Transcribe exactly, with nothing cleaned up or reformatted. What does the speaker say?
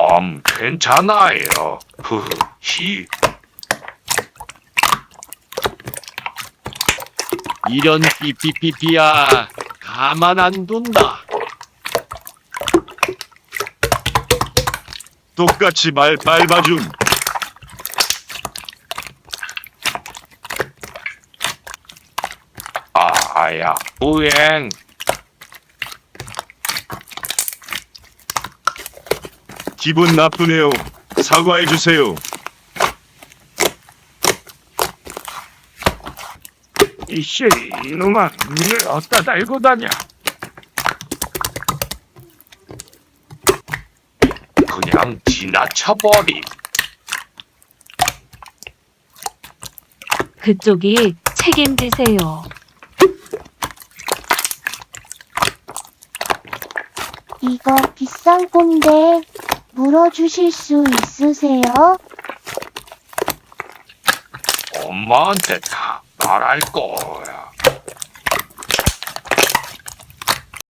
음, 괜찮아요. 흐흐, 히. 이런 삐삐삐삐야. 가만 안 둔다. 똑같이 말 밟아줌. 아야, 우행. 기분 나쁘네요. 사과해주세요. 이씨, 이놈아, 눈을 어디다 달고 다녀? 그냥 지나쳐버리. 그쪽이 책임지세요. 이거 비싼 건데 물어주실 수 있으세요? 엄마한테 다 말할 거야.